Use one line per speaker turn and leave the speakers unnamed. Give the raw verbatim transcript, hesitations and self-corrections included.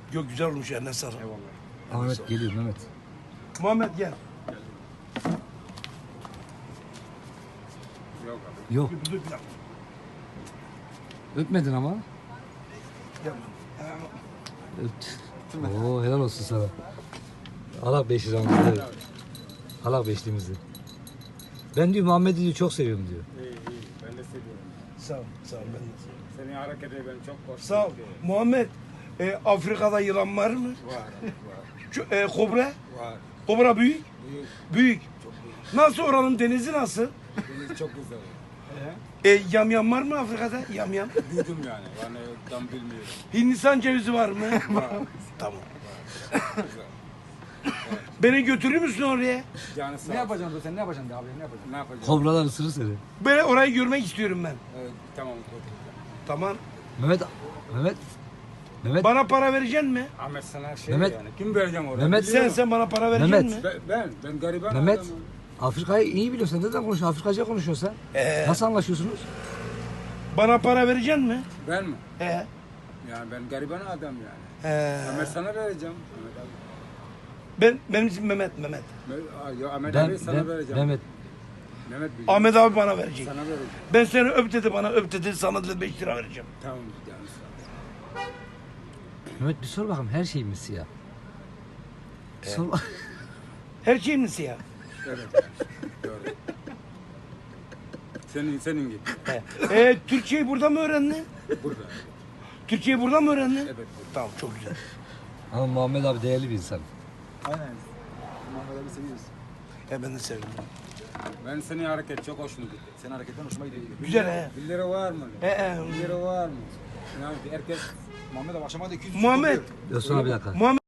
Yok güzel olmuş eline sağlık.
Eyvallah. Ahmet geliyor Mehmet.
Muhammed gel.
Yok abi.
Yok
Dur, dur, bir dakika.
öpmedin ama.
Gel. Ha,
Öpt. Oo helal olsun sana. Allah beş liramızı. Evet. Allah beşliğimizi. Ben diyor Muhammed'i diyor çok seviyorum diyor.
İyi iyi. Ben de seviyorum.
Sağ ol, sağ ol ben de.
Senin hareketi ben çok hoşuma
Sağ ol.
gidiyor.
Muhammed, e, Afrika'da yılan var mı?
Var. Var.
Şu, e, kobra?
Var.
Kobra büyük?
Büyük.
Büyük.
Çok büyük.
Nasıl oranın denizi nasıl?
Deniz çok güzel.
E, yamyam var mı Afrika'da? Yamyam.
Duydum yani. Yani tam bilmiyorum.
Hindistan cevizi var mı?
Var.
Tamam.
Güzel.
Beni götürür müsün oraya?
Yani sağ
Ne
ol.
yapacaksın sen? Ne yapacaksın abi? Ne yapacaksın?
Ne yapacağım?
Kobralar ısırır seni.
Böyle orayı görmek istiyorum ben.
Evet, tamam. götüreceğim.
Tamam.
Mehmet Mehmet Mehmet
Bana para vereceksin mi?
Ahmet sana şey
Mehmet-
yani. Kim vereceğim oraya?
Mehmet-
Biliyor
Sen
musun?
sen bana para vereceksin
Mehmet.
mi?
Ben, ben, ben gariban
Mehmet
adamım.
Afrika'yı iyi biliyorsun. Neden konuşuyorsun? Afrikaca konuşuyorsun sen.
Ee,
Nasıl anlaşıyorsunuz?
bana para vereceksin mi?
Ben mi?
He.
Yani ben gariban adam yani.
He.
Ahmet sana vereceğim. Ahmet abi.
Ben benim ismim Mehmet Mehmet.
Me- Aa, ya Ahmet
Ben,
abi sana
ben
vereceğim.
Mehmet
Mehmet biliyor.
Ahmet abi bana verecek.
Sana vereceğim.
Ben seni öp dedi bana öp dedi sana dedi beş lira vereceğim.
Tamam yani sağ ol.
Mehmet bir sor bakalım her şey mi siyah? Bir sor bak-
Her şey mi siyah?
Evet yani. Doğru. Senin, senin gibi.
He. E, Türkçeyi burada mı öğrendin?
Burada.
Türkçeyi burada mı öğrendin?
Evet. burada.
Tamam çok güzel.
Ama Muhammed abi değerli bir insan.
Aynen. Muhammed abi seviyoruz.
E ben de sevdim.
Ben senin hareket çok hoşuma gitti.
Senin hareketten hoşuma gidiyor.
Güzel he.
Bir lira var mı?
He he.
Bir lira var mı? Yani herkes
Muhammed abi akşama da iki yüz
Muhammed.
Özkan abi bir dakika.
Muhammed